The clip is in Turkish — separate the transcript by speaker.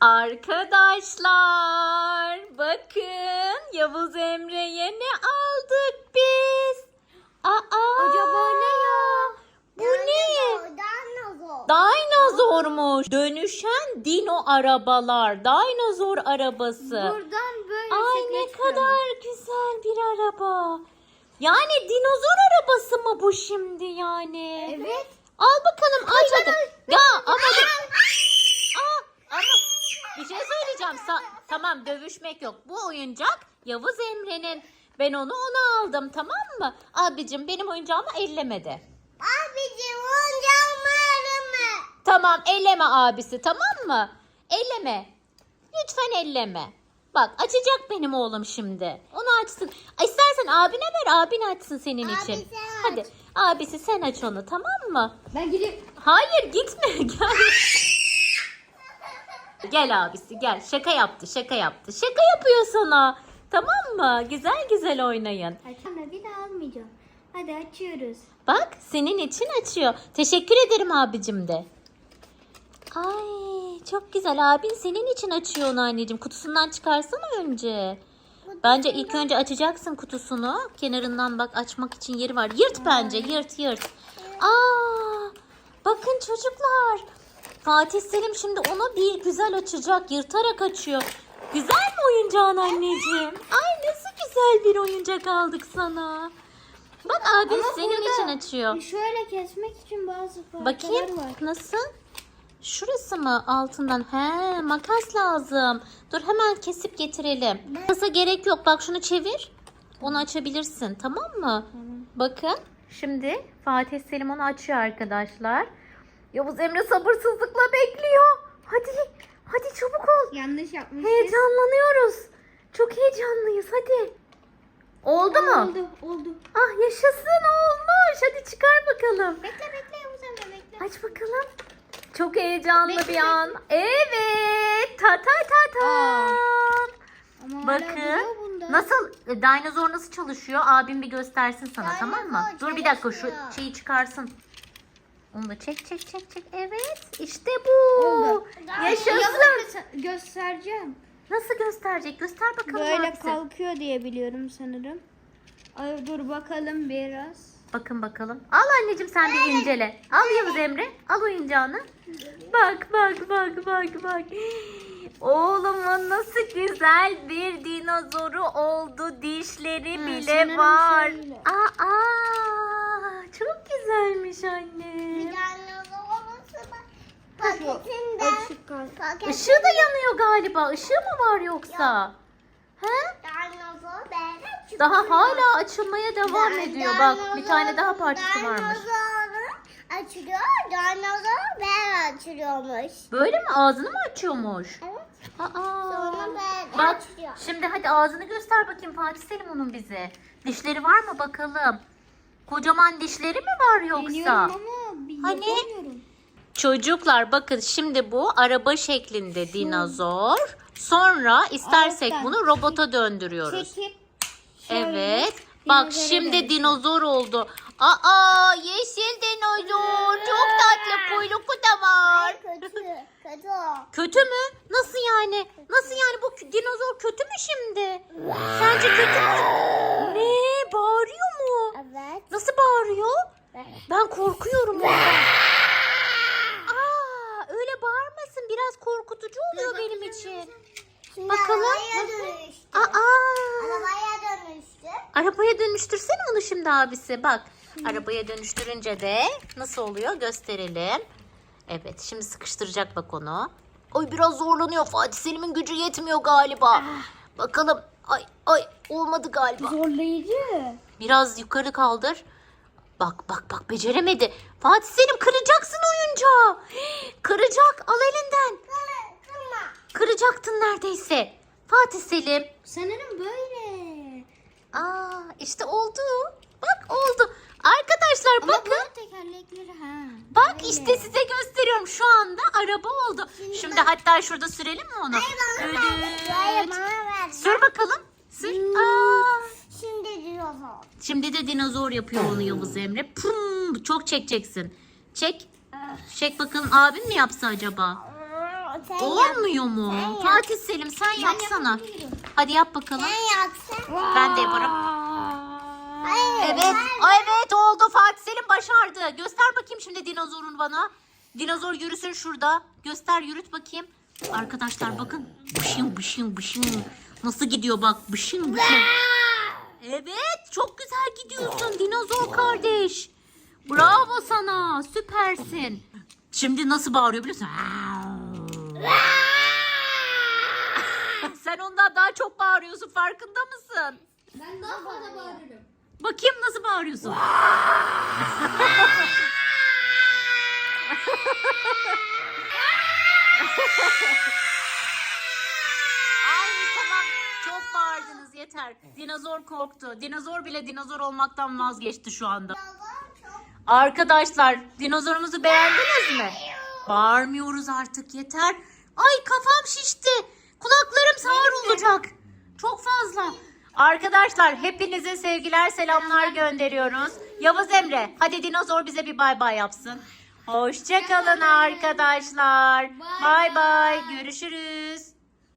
Speaker 1: Arkadaşlar bakın Yavuz Emre'ye ne aldık biz?
Speaker 2: Acaba ne ya?
Speaker 1: Bu ne? Dinozormuş. Dönüşen dino arabalar. Dinozor arabası.
Speaker 2: Buradan böyle
Speaker 1: Ay
Speaker 2: şekle
Speaker 1: ne
Speaker 2: çıkıyor.
Speaker 1: kadar güzel bir araba. Yani dinozor arabası mı bu şimdi yani?
Speaker 2: Evet.
Speaker 1: Al bakalım aç hadi. Ya ama ama bir şey söyleyeceğim. Tamam dövüşmek yok. Bu oyuncak Yavuz Emre'nin. Ben onu aldım tamam mı? Abicim benim oyuncağımı ellemedi.
Speaker 2: Abicim oyuncağımı arama.
Speaker 1: Tamam elleme abisi tamam mı? Elleme. Lütfen elleme. Bak açacak benim oğlum şimdi. Onu açsın. İstersen abine ver abin açsın senin için.
Speaker 2: sen aç.
Speaker 1: Hadi abisi sen aç onu tamam mı?
Speaker 2: Ben gidip.
Speaker 1: Hayır gitme gel. Gel abisi gel. Şaka yaptı. Şaka yapıyor sana. Tamam mı? Güzel güzel oynayın.
Speaker 2: Açamam, bir daha almayacağım. Hadi açıyoruz.
Speaker 1: Bak senin için açıyor. Teşekkür ederim abicim de. Ay çok güzel abin senin için açıyor onu anneciğim. Kutusundan çıkarsana önce. Bence ilk önce açacaksın kutusunu. Kenarından bak açmak için yeri var. Yırt bence yırt. Bakın çocuklar. Fatih Selim şimdi onu bir güzel açacak. Yırtarak açıyor. Güzel mi oyuncağın anneciğim? Ay nasıl güzel bir oyuncak aldık sana. Bak abin
Speaker 2: Ama
Speaker 1: senin
Speaker 2: burada
Speaker 1: için açıyor.
Speaker 2: Şöyle kesmek için bazı parçalar
Speaker 1: Bakayım
Speaker 2: var.
Speaker 1: nasıl? Şurası mı altından? He makas lazım. Dur hemen kesip getirelim. Makasa gerek yok. Bak şunu çevir. Onu açabilirsin tamam mı? Bakın şimdi Fatih Selim onu açıyor arkadaşlar. Yavuz Emre sabırsızlıkla bekliyor. Hadi çabuk ol.
Speaker 2: Yanlış yapmışız.
Speaker 1: Heyecanlanıyoruz. Çok heyecanlıyız hadi. Oldu mu?
Speaker 2: Oldu.
Speaker 1: Ah yaşasın olmuş. Hadi çıkar bakalım.
Speaker 2: Bekle Yavuz Emre bekle.
Speaker 1: Aç bakalım. Çok heyecanlı
Speaker 2: Bekle,
Speaker 1: bir an. Evet. Ta.
Speaker 2: Ama hala
Speaker 1: Bakın.
Speaker 2: duruyor bunda.
Speaker 1: Nasıl dinozor nasıl çalışıyor? Abim bir göstersin sana tamam mı?
Speaker 2: Dinozor
Speaker 1: Dur bir dakika şu
Speaker 2: çalışıyor.
Speaker 1: şeyi çıkarsın. Onu da çek. Evet. İşte bu.
Speaker 2: Oldu.
Speaker 1: Yaşasın.
Speaker 2: Yavuz Emre göstereceğim.
Speaker 1: Nasıl gösterecek? Göster bakalım
Speaker 2: Böyle
Speaker 1: abisi.
Speaker 2: kalkıyor diye biliyorum sanırım. Ay, dur bakalım biraz.
Speaker 1: Bakın bakalım. Al anneciğim sen de incele. Al Yavuz Emre. Al oyuncağını. Bak. Oğlumun nasıl güzel bir dinozoru oldu. Dişleri bile
Speaker 2: sanırım
Speaker 1: var.
Speaker 2: şöyle.
Speaker 1: Çok güzelmiş anne.
Speaker 2: Açık kalk.
Speaker 1: Işığı da yanıyor galiba. Işığı mı var yoksa? He? Daha hala açılmaya devam ediyor. Bak bir tane daha parçası varmış.
Speaker 2: Açılıyor. Dinozor ben açılıyormuş.
Speaker 1: Böyle mi? Ağzını mı açıyormuş?
Speaker 2: Evet.
Speaker 1: Aa.
Speaker 2: ben
Speaker 1: Bak
Speaker 2: açıyor.
Speaker 1: şimdi hadi ağzını göster bakayım Fatih Selim onun bize. Dişleri var mı bakalım? Kocaman dişleri mi var yoksa?
Speaker 2: Biliyorum ama
Speaker 1: Hani?
Speaker 2: yapamıyorum.
Speaker 1: Çocuklar bakın şimdi bu araba şeklinde dinozor. Sonra istersek
Speaker 2: Alttan
Speaker 1: bunu robota döndürüyoruz.
Speaker 2: Çekip şöyle
Speaker 1: Evet. Bak
Speaker 2: dinozora
Speaker 1: şimdi
Speaker 2: dönüştür.
Speaker 1: dinozor oldu. Yeşil dinozor. Çok tatlı kuyruğu da var.
Speaker 2: Kötü.
Speaker 1: Kötü mü? Nasıl yani? Nasıl yani bu dinozor kötü mü şimdi? Sence kötü mü? Ne? Bağırıyor mu?
Speaker 2: Evet.
Speaker 1: Nasıl bağırıyor? Ben korkuyorum ondan. Öyle bağırmasın. Biraz korkutucu oluyor benim için. Bakalım.
Speaker 2: Arabaya dönüştü.
Speaker 1: Arabaya dönüştürsene onu şimdi abisi. Bak. Arabaya dönüştürünce de nasıl oluyor gösterelim. Evet şimdi sıkıştıracak bak onu. Ay biraz zorlanıyor. Fatih Selim'in gücü yetmiyor galiba. Bakalım. Ay olmadı galiba.
Speaker 2: Zorlayıcı.
Speaker 1: Biraz yukarı kaldır. Bak beceremedi. Fatih Selim kıracaksın oyuncağı. Kıracak al elinden. Kıracaktın neredeyse. Fatih Selim.
Speaker 2: Sanırım böyle.
Speaker 1: İşte oldu. Bak oldu. Arkadaşlar
Speaker 2: Ama
Speaker 1: bakın.
Speaker 2: bunun tekerlekleri
Speaker 1: Bak
Speaker 2: böyle.
Speaker 1: işte size gösteriyorum. Şu anda araba oldu. Şimdi hatta şurada sürelim mi onu? Düdüt. Sür bakalım. Sür.
Speaker 2: Şimdi dinozor.
Speaker 1: Şimdi de dinozor yapıyor onu Yavuz Emre. Pum, çok çekeceksin. Çek. Çek bakalım abin mi yapsa acaba?
Speaker 3: Sen
Speaker 1: Olmuyor mu?
Speaker 3: Sen yap.
Speaker 1: Fatih Selim sen yapsana. Hadi yap bakalım.
Speaker 3: Sen yapsın.
Speaker 1: Ben de yaparım.
Speaker 3: Hayır.
Speaker 1: Evet. Evet oldu. Fatih Selim başardı. Göster bakayım şimdi dinozorun bana. Dinozor yürüsün şurada. Göster yürüt bakayım. Arkadaşlar bakın. Bışın bışın bışın. Nasıl gidiyor bak. Bışın bışın. Evet çok güzel gidiyorsun dinozor kardeş. Bravo sana. Süpersin. Şimdi nasıl bağırıyor biliyor musun? Sen ondan daha çok bağırıyorsun. Farkında mısın?
Speaker 2: Ben daha fazla bağırırım.
Speaker 1: Bakayım nasıl bağırıyorsun. Ay tamam çok bağırdınız yeter. Dinozor korktu. Dinozor bile dinozor olmaktan vazgeçti şu anda. Arkadaşlar dinozorumuzu beğendiniz mi? Bağırmıyoruz artık yeter. Ay kafam şişti. Kulaklarım sağır olacak. Çok fazla. Arkadaşlar hepinize sevgiler selamlar gönderiyoruz. Yavuz Emre hadi dinozor bize bir bay bay yapsın. Hoşça kalın arkadaşlar. Bay bay. Görüşürüz.